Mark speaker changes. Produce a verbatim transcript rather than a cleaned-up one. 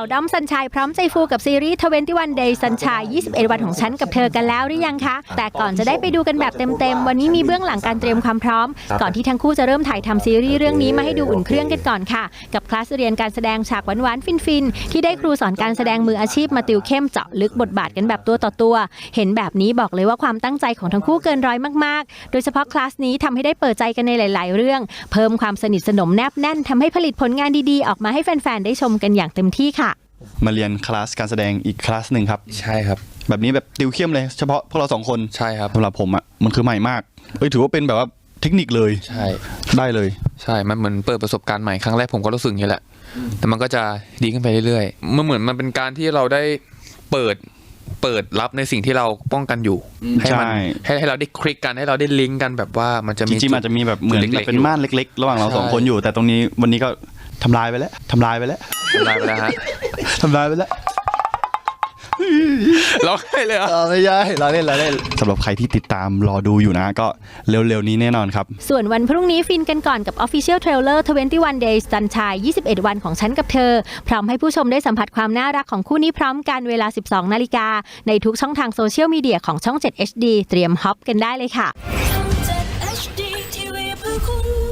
Speaker 1: ด้อมสัญชัยพร้อมใจฟูกับซีรีส์ยี่สิบเอ็ด Days Sunshine ยี่สิบเอ็ดวันของฉันกับเธอกันแล้วหรือยังคะแต่ก่อนจะได้ไปดูกันแบบเต็มๆวันนี้มีเบื้องหลังการเตรียมความพร้อมก่อนที่ทั้งคู่จะเริ่มถ่ายทำซีรีส์เรื่องนี้มาให้ดูอุ่นเครื่องกันก่อนค่ะกับคลาสเรียนการแสดงฉากหวานๆฟินๆที่ได้ครูสอนการแสดงมืออาชีพมาติวเข้มเจาะลึกบทบาทกันแบบตัวต่อตัวเห็นแบบนี้บอกเลยว่าความตั้งใจของทั้งคู่เกินร้อยมากๆโดยเฉพาะคลาสนี้ทำให้ได้เปิดใจกันในหลายๆเรื่องเพิ่มความสนิทสนมแนบแน่นทำให้ผลิตผลงานดีๆออกมาให้แฟนๆได้ชมกันอย่างเต็มที่ค่ะ
Speaker 2: มาเรียนคลาสการแสดงอีกคลาสหนึ่งครับ
Speaker 3: ใช่ครับ
Speaker 2: แบบนี้แบบติวเข้มเลยเฉพาะพวกเราสองคน
Speaker 3: ใช่ครับ
Speaker 2: สำหรับผมอ่ะมันคือใหม่มากเอ้ยถือว่าเป็นแบบว่าเทคนิคเลย
Speaker 3: ใช่
Speaker 2: ได้เลย
Speaker 3: ใช่มันเหมือนเปิดประสบการณ์ใหม่ครั้งแรกผมก็รู้สึกอย่างนี้แหละแต่มันก็จะดีขึ้นไปเรื่อยๆมันเหมือนมันเป็นการที่เราได้เปิดเปิดรับในสิ่งที่เราป้องกันอยู่ให้มันให้ให้เราได้คลิกกันให้เราได้ลิงก์กันแบบว่ามันจะมี
Speaker 2: จริงๆมันจะมีแบบเหมือนเป็นม่านเล็กๆระหว่างเราสองคนอยู่แต่ตรงนี้วันนี้ก็ทำลายไปแล้วทำลายไปแล้ว
Speaker 3: ทำลายไปแล้วฮะ
Speaker 2: ทำลายไปแล้ว
Speaker 3: เราให้เลยอ่ะ
Speaker 2: ไม่ใช่เราเล่นเราเล่นสำหรับใครที่ติดตามรอดูอยู่นะก็เร็วๆนี้แน่นอนครับ
Speaker 1: ส่วนวันพรุ่งนี้ฟินกันก่อนกับ Official Trailer ยี่สิบเอ็ด Days Sunshine ยี่สิบเอ็ดวันของฉันกับเธอพร้อมให้ผู้ชมได้สัมผัสความน่ารักของคู่นี้พร้อมกันเวลา สิบสองนาฬิกาในทุกช่องทางโซเชียลมีเดียของช่อง เจ็ด เอช ดี เตรียมฮอปกันได้เลยค่ะช่อง เจ็ด เอช ดี ที วี เพื่อคุณ